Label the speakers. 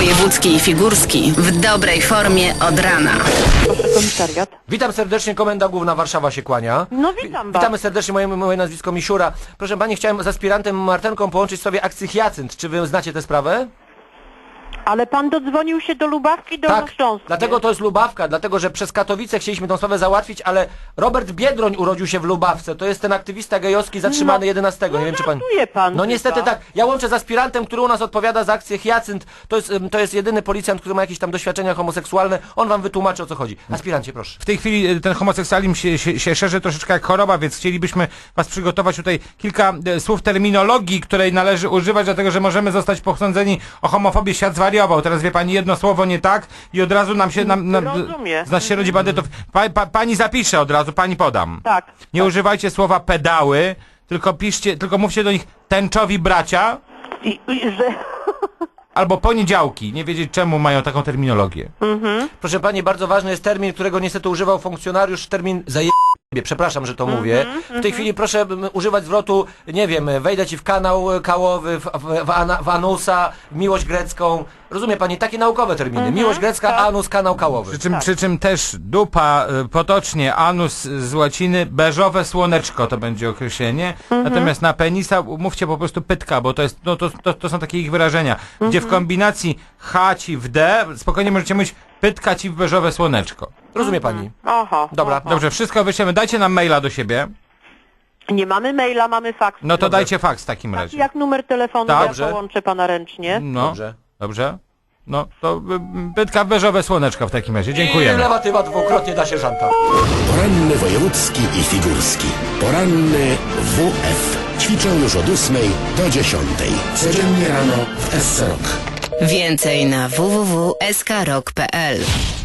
Speaker 1: Wojewódzki i Figurski w dobrej formie od rana.
Speaker 2: Proszę, komisariat.
Speaker 3: Witam serdecznie, Komenda Główna Warszawa się kłania.
Speaker 2: No witam was.
Speaker 3: Witamy serdecznie, moje nazwisko Misiura. Proszę pani, chciałem z aspirantem Martenką połączyć sobie akcję Hyacynt. Czy wy znacie tę sprawę?
Speaker 2: Ale pan dodzwonił się do Lubawki, do Dolnośląskiej.
Speaker 3: dlatego to jest Lubawka, dlatego że przez Katowice chcieliśmy tą sprawę załatwić, ale Robert Biedroń urodził się w Lubawce. To jest ten aktywista gejowski zatrzymany 11. Nie wiem, czy pan...
Speaker 2: żartuje pan
Speaker 3: No niestety
Speaker 2: chyba.
Speaker 3: tak. Ja łączę z aspirantem, który u nas odpowiada za akcję Hyacynt. To jest jedyny policjant, który ma jakieś tam doświadczenia homoseksualne. On wam wytłumaczy, o co chodzi. Aspirancie, proszę.
Speaker 4: W tej chwili ten homoseksualizm się szerzy troszeczkę jak choroba, więc chcielibyśmy was przygotować tutaj kilka słów terminologii, której należy używać, dlatego że możemy zostać posądzeni o homofobię. Świat zwariował. Teraz wie pani jedno słowo nie tak i od razu nam się...
Speaker 2: Rozumiem.
Speaker 4: Z nas się rodzi bandytów. Pani zapisze od razu, pani podam.
Speaker 2: Tak.
Speaker 4: Nie używajcie słowa pedały, tylko mówcie do nich tęczowi bracia
Speaker 2: Że...
Speaker 3: Albo poniedziałki. Nie wiedzieć, czemu mają taką terminologię. Proszę pani, bardzo ważny jest termin, którego niestety używał funkcjonariusz, termin zajebie. Przepraszam, że to mówię. W tej chwili proszę używać zwrotu, nie wiem, wejdę ci w kanał kałowy, w anusa, w miłość grecką. Rozumie pani, takie naukowe terminy. Miłość grecka, anus, kanał kałowy.
Speaker 4: Przy czym też dupa, potocznie anus z łaciny, beżowe słoneczko to będzie określenie. Natomiast na penisa mówcie po prostu pytka, bo to jest, no to są takie ich wyrażenia. Gdzie w kombinacji H ci w D, spokojnie możecie mówić pytka ci w beżowe słoneczko.
Speaker 3: Rozumie pani?
Speaker 2: Aha.
Speaker 3: Dobra.
Speaker 2: Aha.
Speaker 4: Dobrze, wszystko wyślemy. Dajcie nam maila do siebie.
Speaker 2: Nie mamy maila, mamy faks.
Speaker 4: No to dajcie faks w takim razie.
Speaker 2: Jak numer telefonu,
Speaker 3: Dobrze.
Speaker 2: ja połączę pana ręcznie.
Speaker 4: No,
Speaker 3: Dobrze.
Speaker 4: dobrze. No to pytka w beżowe słoneczko w takim razie.
Speaker 3: I
Speaker 4: Dziękujemy.
Speaker 3: lewatywa dwukrotnie da sierżanta.
Speaker 5: Poranny wojewódzki i figurski. Poranny WF. Ćwiczą już od 8 do 10. Codziennie rano w SC Rock.
Speaker 1: Więcej na www.skrok.pl.